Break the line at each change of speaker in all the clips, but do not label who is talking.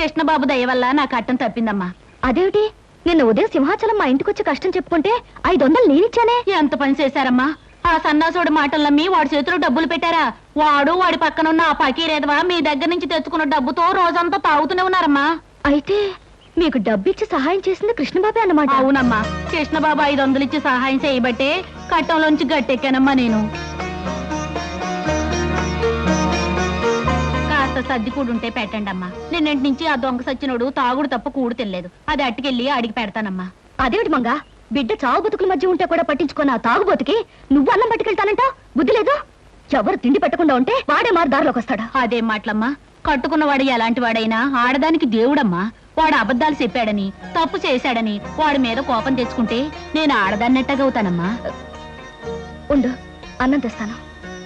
కృష్ణబాబు దయ వల్ల నా కట్టం తప్పిందమ్మా.
అదేమిటి, నిన్న ఉదయం సింహాచలం మా ఇంటికొచ్చి కష్టం చెప్పుకుంటే 500 నేనిచ్చానే.
ఎంత పని చేశారమ్మా? ఆ సన్నాసుడి మాటలు నమ్మి వాడి చేతిలో డబ్బులు పెట్టారా? వాడు వాడి పక్కనున్న ఆ పకీరేదవా మీ దగ్గర నుంచి తెచ్చుకున్న డబ్బుతో రోజంతా తాగుతూనే ఉన్నారమ్మా.
అయితే మీకు డబ్బిచ్చి సహాయం చేసింది కృష్ణబాబే అన్నమాట?
అవునమ్మా, కృష్ణబాబు 500 ఇచ్చి సహాయం చేయబట్టే కట్టంలోంచి గట్టెక్కానమ్మా నేను. కాస్త సర్ది కూడుంటే పెట్టండి అమ్మా. నిన్నటి నుంచి ఆ దొంగ సచ్చినోడు తాగుడు తప్ప కూడు తినలేదు. అది అట్టుకెళ్ళి అడిగి పెడతానమ్మా.
అదేమిటి మంగా, బిడ్డ చావు బతుకుల మధ్య ఉంటే కూడా పట్టించుకున్న ఆ తాగుబోతుకి నువ్వు అన్నం పట్టుకెళ్తానంట? బుద్ధి లేదు? ఎవరు తిండి పెట్టకుండా ఉంటే వాడే మారు దారిలోకి వస్తాడా?
అదేం మాటలమ్మా, కట్టుకున్నవాడు ఎలాంటి వాడైనా ఆడదానికి దేవుడమ్మా. వాడు అబద్ధాలు చెప్పాడని, తప్పు చేశాడని వాడి మీద కోపం తెచ్చుకుంటే నేను ఆడదాన్నట్టగవుతానమ్మా.
ఉండు, అన్నం తెస్తాను.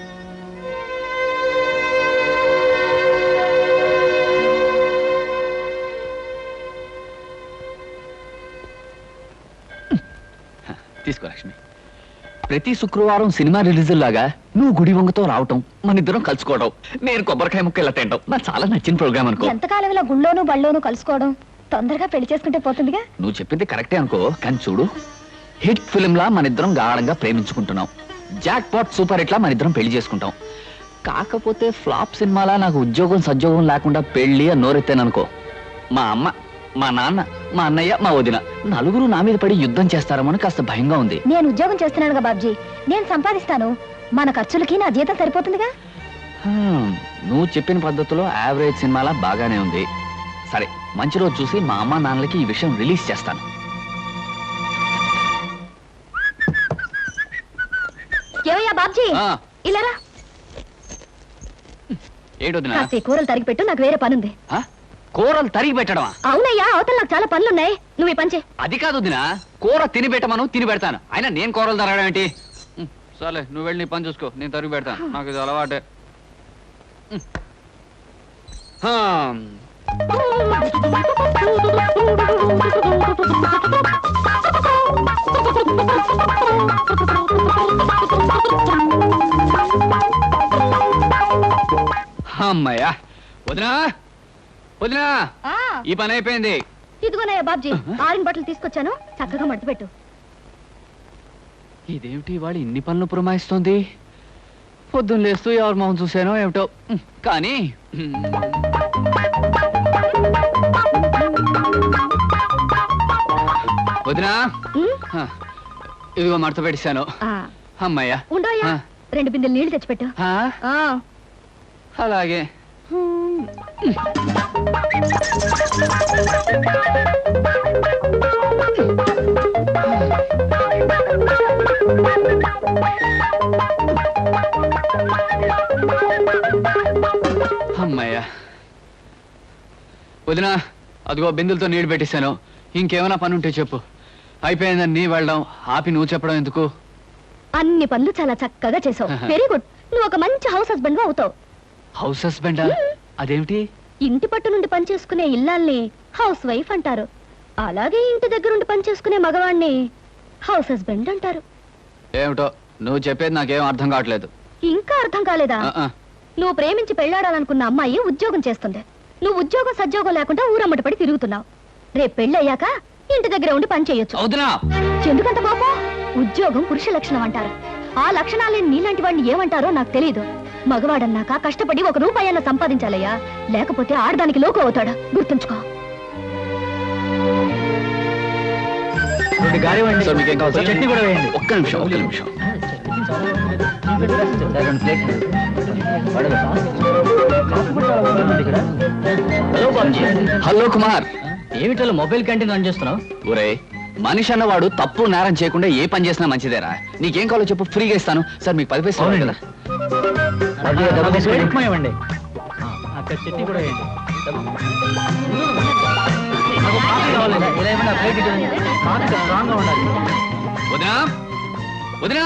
తీసుకో లక్ష్మి. ప్రతి శుక్రవారం సినిమా రిలీజ్ లాగా నువ్వు గుడి వంగతో రావటం, మన ఇద్దరం కలుసుకోవడం, నేను కొబ్బరికాయ ముక్క ఇలా తింటాం నాకు చాలా నచ్చిన ప్రోగ్రామ్ అనుకో.
ఎంతకాలం ఇలా గుళ్ళోను బళ్ళోను కలుసుకోవడం? తొందరగా పెళ్లి చేసుకుంటే పోతుందిగా.
నువ్వు చెప్పింది కరెక్టే అనుకో, కానీ చూడు, హిట్ ఫిల్మ్ లా మన ఇద్దరం గాఢంగా ప్రేమించుకుంటున్నాం. జాక్ పాట్ సూపర్ హిట్ లా మన ఇద్దరం పెళ్లి చేసుకుంటాం. కాకపోతే ఫ్లాప్ సినిమాలా నాకు ఉద్యోగం సద్యోగం లేకుండా పెళ్లి అని నోరెత్తాననుకో, మా అమ్మ, మా నాన్న, మా అన్నయ్య, మా వదిన నలుగురు నా మీద పడి యుద్ధం చేస్తారమని కాస్త భయంగా ఉంది.
నేను ఉద్యోగం చేస్తున్నానుగా బాబ్జీ, నేను సంపాదిస్తాను. మన ఖర్చులకి నా జీతం సరిపోతుందిగా.
నువ్వు చెప్పిన పద్ధతిలో యావరేజ్ సినిమాలా బాగానే ఉంది. సరే, మంచి రోజు చూసి మా అమ్మ నాన్నలకి ఈ విషయం రిలీజ్ చేస్తాను.
ఏమయ్యా బాబ్జీ, ఇలారా.
ఏడొదినా?
కూరలు తరిగి పెట్టు, నాకు వేరే పనుంది.
కూరలు తరిగి పెట్టడమా?
అవునయ్యా, అవతల నాకు చాలా పనులున్నాయి. నువ్వు ఈ పని చేయి.
అది కాదు వదినా, కూర తిని పెట్టమను, తిని పెడతాను. అయినా నేను కూరలు తరగడం ఏంటి? సరే, నువ్వు వెళ్ళి నీ పని చూసుకో, నేను తరిగి పెడతాను. నాకు ఇది అలవాటే. అమ్మయ్యా. వదినా, వదినా, ఈ పని అయిపోయింది.
ఇదిగోనయ్యా బాబ్జీ, ఆరిన బట్టలు తీసుకొచ్చాను, చక్కగా మడతపెట్టు.
ఇదేమిటి వాడు ఇన్ని పనులు పురమాయిస్తోంది? పొద్దున్న లేస్తూ ఎవరి మొహం చూశానో ఏమిటో. కానీ వదినా, ఇదిగో మడత పెట్టేశాను. అమ్మయ్యా.
ఉండోయ్యా, 2 బిందెలు నీళ్లు తెచ్చిపెట్టు.
అలాగే. అమ్మయ్యా. వదినా, అదిగో బిందులతో నీళ్లు పెట్టేశాను. ఇంకేమైనా పని ఉంటే చెప్పు. అయిపోయిందని వెళ్ళడం ఆపి నువ్వు చెప్పడం ఎందుకు?
అన్ని పనులు చాలా చక్కగా చేసావు. Very good. నువ్వు ఒక మంచి హౌస్ హస్బెండ్ అవుతావు.
హౌస్ హస్బెండా? అదేమిటి?
ఇంటి పట్టు నుండి పని చేసుకునే ఇల్లాల్ని హౌస్ వైఫ్ అంటారు. అలాగే ఇంటి దగ్గర నుండి పని చేసుకునే మగవాణ్ణి హౌస్ హస్బెండ్ అంటారు.
ఏమిటో నువ్వు చెప్పేది నాకేం అర్థం కావట్లేదు.
ఇంకా అర్థం కాలేదా? నువ్వు ప్రేమించి పెళ్లాడాలనుకున్న అమ్మాయి ఉద్యోగం చేస్తుంది. నువ్వు ఉద్యోగం సద్యోగం లేకుండా ఊరమ్మటి పడి తిరుగుతున్నావు. రేపు పెళ్ళయ్యాక ఇంటి దగ్గర ఉండి పని చేయొచ్చు. ఎందుకంత పాపం? ఉద్యోగం పురుష లక్షణం అంటారు. ఆ లక్షణాలేని నీలాంటి వాడిని ఏమంటారో నాకు తెలియదు. మగవాడన్నాక కష్టపడి 1 రూపాయి అన్న సంపాదించాలయ్యా, లేకపోతే ఆడదానికి లోకు అవుతాడా, గుర్తుంచుకో.
ఒక్క నిమిషం. హలో కుమార్,
ఏమిటో మొబైల్ క్యాంటీన్ రన్ చేస్తున్నావు?
ఒరే, మనిషి అన్నవాడు తప్పు నేరం చేయకుండా ఏ పని చేసినా మంచిదేరా. నీకేం కావాలో చెప్పు, ఫ్రీగా ఇస్తాను. సార్ మీకు 10 పైసలు కదా.
ఇవ్వండి. అక్కడ చట్నీ కూడా వేయండి.
వదినా, వదినా,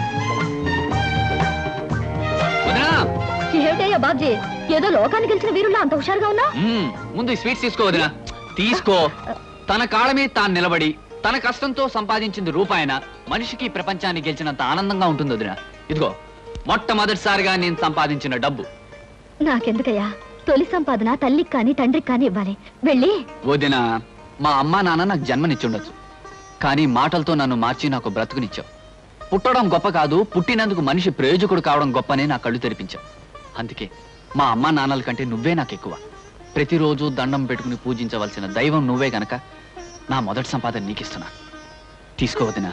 వదినా.
ఏమిటయ్యా బాబ్జీ, ఏదో లోకానికి గెలిచిన వీరుల్లో అంత హుషారుగా ఉన్నా?
ముందు ఈ స్వీట్స్ తీసుకో వదినా, తీసుకో. తన కాళ్ళ మీద తాను నిలబడి తన కష్టంతో సంపాదించింది రూపాయన మనిషికి ప్రపంచాన్ని గెలిచినంత ఆనందంగా ఉంటుంది వదినా. ఇదిగో మొట్టమొదటిసారిగా నేను సంపాదించిన డబ్బు.
నాకెందుకయ్యా, తొలి సంపాదన తల్లికి కాని తండ్రికి కాని ఇవ్వాలి. వెళ్ళి
వదినా, మా అమ్మా నాన్న నాకు జన్మనిచ్చుండొచ్చు, కానీ మాటలతో నన్ను మార్చి నాకు బ్రతుకునిచ్చావు. పుట్టడం గొప్ప కాదు, పుట్టినందుకు మనిషి ప్రయోజకుడు కావడం గొప్పనే నా కళ్ళు తెరిపించావు. అందుకే మా అమ్మా నాన్నల కంటే నువ్వే నాకు ఎక్కువ. ప్రతిరోజు దండం పెట్టుకుని పూజించవలసిన దైవం నువ్వే గనక నా మొదటి సంపాదన నీకిస్తున్నా. తీసుకోవద్దునా.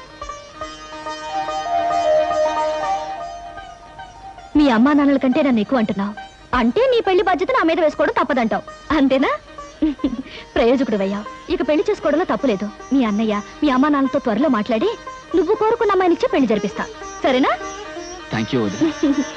మీ అమ్మా నాన్నల కంటే నన్ను ఎక్కువ అంటున్నావు అంటే నీ పెళ్లి బాధ్యత నా మీద వేసుకోవడం తప్పదంటావు, అంతేనా? ప్రయోజకుడు అయ్యావు, ఇక పెళ్లి చేసుకోవడంలో తప్పులేదు. మీ అన్నయ్య మీ అమ్మా నాన్నలతో త్వరలో మాట్లాడి నువ్వు కోరుకున్న అమ్మాయినిచ్చే పెళ్లి జరిపిస్తా, సరేనా?
థ్యాంక్ యూ వదినా.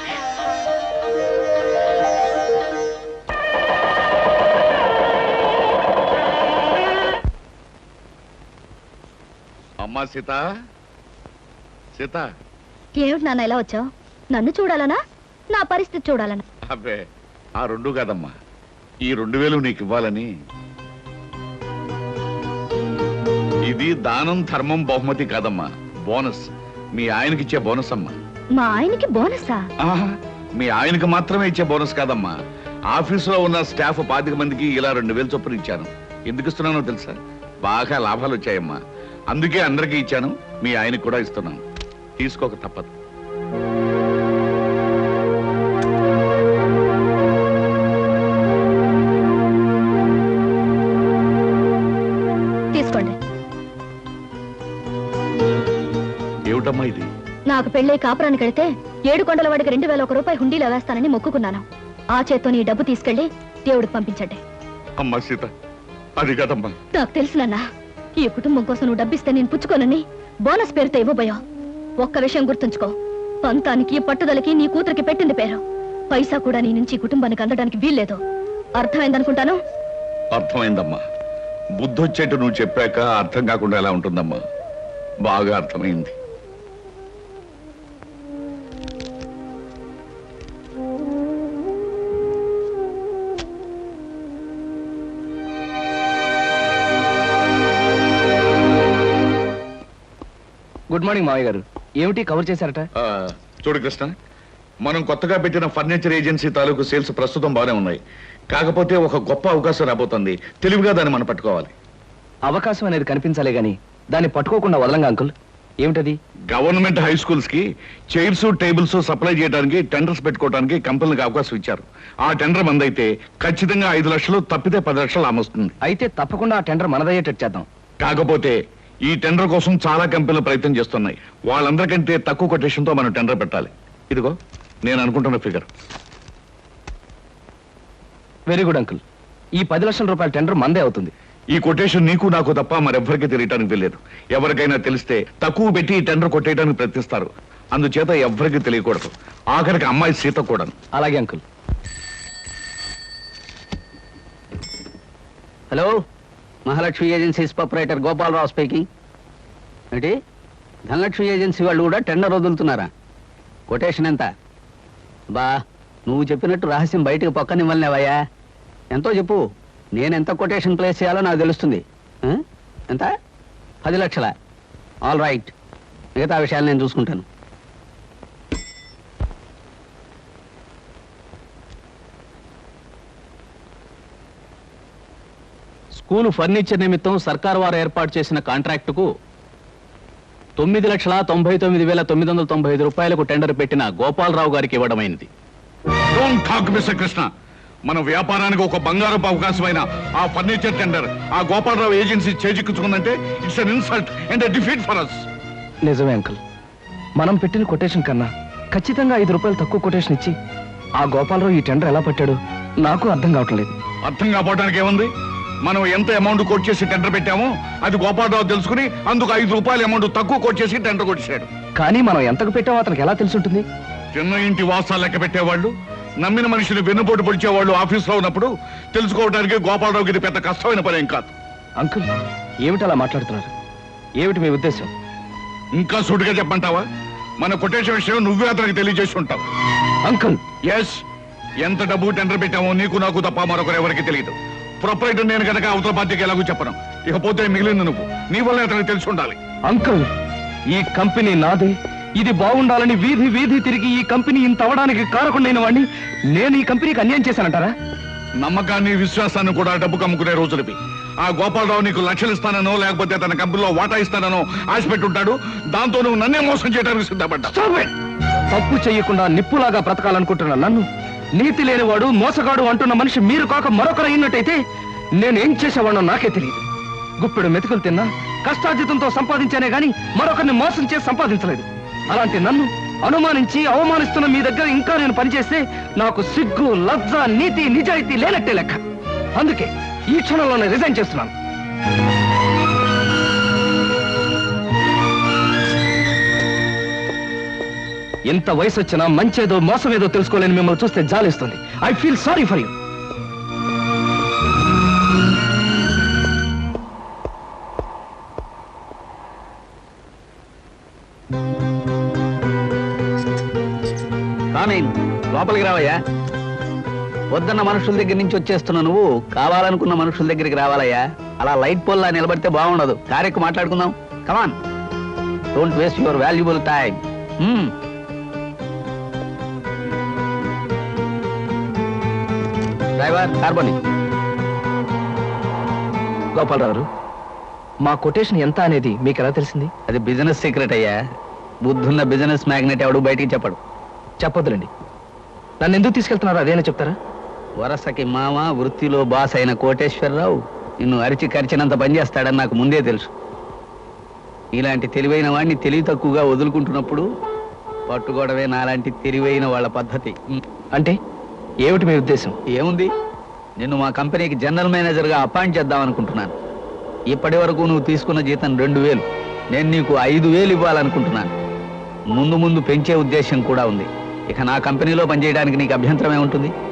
అమ్మా సీత, సీత.
ఏమిటి నాన్న ఎలా వచ్చావు? నన్ను చూడాలనా నా పరిస్థితి చూడాలనా?
అబ్బే, ఆ రెండు కాదమ్మా, ఈ 2000 నీకు ఇవ్వాలని. ఇది దానం ధర్మం బహుమతి కాదమ్మా, బోనస్. మీ ఆయనకి ఇచ్చే బోనస్ అమ్మా.
మా ఆయనకి బోనసా?
ఆహా, మీ ఆయనకి మాత్రమే ఇచ్చే బోనస్ కాదమ్మా, ఆఫీసులో ఉన్న స్టాఫ్ 25 మందికి ఇలా 2000 చొప్పున ఇచ్చాను. ఎందుకు ఇస్తున్నానో తెలుసా? బాగా లాభాలు వచ్చాయమ్మా, అందుకే అందరికీ ఇచ్చాను. మీ ఆయనకి కూడా ఇస్తున్నాను, తీసుకోక తప్పదు.
తీసుకోండి.
ఏమిటమ్మా ఇది?
నాకు పెళ్ళై కాపురానికి వెళితే 7 కొండల వాడికి 2001 రూపాయి హుండీలో వేస్తానని మొక్కుకున్నాను. ఆ చేత్తో నీ డబ్బు తీసుకెళ్లి దేవుడికి పంపించండి.
అమ్మా సీత, అది కాదమ్మా.
నాకు తెలుసునన్నా, ఈ కుటుంబం కోసం నువ్వు డబ్బిస్తే నేను పుచ్చుకోనని బోనస్ పేరుతో ఇవ్వబోయావు. ఒక్క విషయం గుర్తుంచుకో, పంతానికి పట్టుదలకి నీ కూతురికి పెట్టింది పేరు. పైసా కూడా నీ నుంచి ఈ కుటుంబానికి అందడానికి వీల్లేదు. అర్థమైందనుకుంటాను.
అర్థమైందమ్మా. బుద్ధొచ్చేట్టు నువ్వు చెప్పాక అర్థం కాకుండా ఎలా ఉంటుందమ్మా? బాగా అర్థమైంది.
గుడ్ మార్నింగ్ మావయ్య గారు. ఏమిటి కవర్ చేశారట?
చూడు కృష్ణ, మనం కొత్తగా పెట్టిన ఫర్నిచర్ ఏజెన్సీ తాలూకు సేల్స్ ప్రస్తుతం బాగానే ఉన్నాయి. కాకపోతే ఒక గొప్ప అవకాశం రాబోతుంది. తెలివిగా దాన్ని మనం పట్టుకోవాలి.
అవకాశం అనేది కనిపించాలే గాని దాన్ని పట్టుకోకుండా వదలంగా అంకుల్. ఏమిటది?
గవర్నమెంట్ హై స్కూల్స్ కి చైర్స్ టేబుల్స్ సప్లై చేయడానికి టెండర్స్ పెట్టుకోవడానికి కంపెనీలకు అవకాశం ఇచ్చారు. ఆ టెండర్ మందైతే ఖచ్చితంగా 5 లక్షలు, తప్పితే 10 లక్షలు ఆమొస్తుంది.
అయితే తప్పకుండా ఆ టెండర్ మనదయ్యేటట్టు చేద్దాం.
కాకపోతే ఈ టెండర్ కోసం చాలా కంపెనీలు ప్రయత్నం చేస్తున్నాయి. వాళ్ళందరికంటే తక్కువ కొటేషన్ తో మనం టెండర్ పెట్టాలి. ఇదిగో నేను అనుకుంటున్న ఫిగర్.
Very good uncle. ఈ 10 లక్షల రూపాయల టెండర్ మందే అవుతుంది.
ఈ కొటేషన్ నీకు నాకు తప్ప మరెవ్వరికీ తెలియటానికి తెలియదు. ఎవరికైనా తెలిస్తే తక్కువ పెట్టి ఈ టెండర్ కొట్టేయడానికి ప్రయత్నిస్తారు. అందుచేత ఎవ్వరికీ తెలియకూడదు, ఆఖరికి అమ్మాయి సీత కూడా.
అలాగే uncle.
Hello, Mahalakshmi agencies proprietor Gopalarao speaking. ఏంటి, ధనలక్ష్మి ఏజెన్సీ వాళ్ళు కూడా టెండర్ వదులుతున్నారా? కొటేషన్ ఎంత? బా, నువ్వు చెప్పినట్టు రహస్యం బయటకు పక్కనివ్వలేవయ్యా. ఎంతో చెప్పు, నేను ఎంత కొటేషన్ ప్లేస్ చేయాలో నాకు తెలుస్తుంది. ఎంత? 10 లక్షల. ఆల్ రైట్, మిగతా విషయాలు నేను చూసుకుంటాను.
స్కూలు ఫర్నిచర్ నిమిత్తం సర్కారు వారు ఏర్పాటు చేసిన కాంట్రాక్టుకు 9,99,995 రూపాయలకు టెండర్ పెట్టిన గోపాలరావు గారికి ఇవ్వడమైంది.
Don't talk mister Krishna. మన వ్యాపారానికి ఒక బంగారపు అవకాశమైన ఆ ఫర్నిచర్ టెండర్ ఆ గోపాలరావు ఏజెన్సీ చేజిక్కించుకుందంటే it's an insult and defeat for us.
నిజమే అంకుల్. మనం పెట్టిన కొటేషన్ కన్నా ఖచ్చితంగా 5 రూపాయలు తక్కువ కొటేషన్ ఇచ్చి ఆ గోపాలరావు ఈ టెండర్ ఎలా పట్టాడు నాకు అర్థం కావట్లేదు.
అర్థం కావడానికి ఏముంది? మనం ఎంత అమౌంట్ కోట్ చేసి టెండర్ పెట్టామో అది గోపాలరావు తెలుసుకుని అందుకు 5 రూపాయల అమౌంట్ తక్కువ కోట్ చేసి టెండర్ కొట్టేశాడు.
కానీ మనం ఎంతకు పెట్టామో అతనికి ఎలా తెలుసుంటుంది?
చిన్న ఇంటి వాసాలు లెక్క పెట్టేవాళ్ళు, నమ్మిన మనుషులు వెన్నుపోటు పొడిచేవాళ్ళు ఆఫీస్లో ఉన్నప్పుడు తెలుసుకోవడానికి గోపాలరావుకి ఇది పెద్ద కష్టమైన పని ఏం కాదు.
అంకుల్, ఏమిటి అలా మాట్లాడుతున్నారు? ఏమిటి మీ ఉద్దేశం?
ఇంకా సూటిగా చెప్పంటావా? మన కొటేషన్ విషయం నువ్వే అతనికి తెలియజేసి ఉంటావు.
అంకుల్,
ఎస్, ఎంత డబ్బు టెండర్ పెట్టామో నీకు నాకు తప్ప మరొకరు ఎవరికి తెలియదు. ప్రొపరేటర్ నేను కనుక అవతల పార్టీకి ఎలాగో చెప్పను. ఇకపోతే మిగిలింది నువ్వు, నీ వల్ల అతనికి తెలిసి ఉండాలి.
అంకుల్, ఈ కంపెనీ నాది, ఇది బాగుండాలని వీధి వీధి తిరిగి ఈ కంపెనీ ఇంత అవడానికి కారకుండైన వాడిని నేను ఈ కంపెనీకి అన్యాయం చేశానంటారా?
నమ్మకాన్ని విశ్వాసాన్ని కూడా డబ్బు కమ్ముకునే రోజులవి. ఆ గోపాలరావు నీకు లక్షలు ఇస్తానో లేకపోతే తన కంపెనీలో వాటా ఇస్తానో ఆశ పెట్టుంటాడు. దాంతో నువ్వు నన్నే మోసం చేయడానికి సిద్ధపడ్డా.
తప్పు చేయకుండా నిప్పులాగా బ్రతకాలనుకుంటున్నా నన్ను నీతి లేనివాడు మోసగాడు అంటున్న మనిషి మీరు కాక మరొకరు అయినట్టయితే నేనేం చేసేవాడో నాకే తెలియదు. గుప్పెడు మెతుకులు తిన్నా కష్టార్జితంతో సంపాదించానే గాని మరొకరిని మోసం చేసి సంపాదించలేదు. అలాంటి నన్ను అనుమానించి అవమానిస్తున్న మీ దగ్గర ఇంకా నేను పనిచేస్తే నాకు సిగ్గు, లజ్జ, నీతి, నిజాయితీ లేనట్టే లెక్క. అందుకే ఈ క్షణంలోనే రిజైన్ చేస్తున్నాను. ఎంత వయసు వచ్చినా మంచేదో మోసమేదో తెలుసుకోలేని మిమ్మల్ని చూస్తే జాలిస్తుంది. I feel sorry for you.
లోపలికి రావయ్యా. వద్దన్న మనుషుల దగ్గర నుంచి వచ్చేస్తున్నా నువ్వు కావాలనుకున్న మనుషుల దగ్గరికి రావాలయ్యా. అలా లైట్ పోల్లా నిలబడితే బాగుండదు. కారెక్కు మాట్లాడుకుందాం. Come on, don't waste your valuable time. Driver, కార్బోని.
గోపాలరావు, మా కొటేషన్ ఎంత అనేది మీకు ఎలా తెలిసింది?
అది బిజినెస్ సీక్రెట్ అయ్యా. బుద్ధున్న బిజినెస్ మ్యాగ్నెట్ ఎవడు బయటికి చెప్పడు.
చెప్పొద్దులండి. నన్ను ఎందుకు తీసుకెళ్తున్నారో అదేనా చెప్తారా?
వరసకి మామ, వృత్తిలో బాస్ అయిన కోటేశ్వరరావు నిన్ను అరిచి కరిచినంత పనిచేస్తాడని నాకు ముందే తెలుసు. ఇలాంటి తెలివైన వాడిని తెలివి తక్కువగా వదులుకుంటున్నప్పుడు పట్టుకోవడమే నాలాంటి తెలివైన వాళ్ళ పద్ధతి.
అంటే ఏమిటి మీ ఉద్దేశం?
ఏముంది, నిన్ను మా కంపెనీకి జనరల్ మేనేజర్గా అపాయింట్ చేద్దాం అనుకుంటున్నాను. ఇప్పటి వరకు నువ్వు తీసుకున్న జీతం 2000. నేను నీకు 5000 ఇవ్వాలనుకుంటున్నాను. ముందు ముందు పెంచే ఉద్దేశం కూడా ఉంది. ఇక నా కంపెనీలో పనిచేయడానికి నీకు అభ్యంతరమే ఉంటుంది.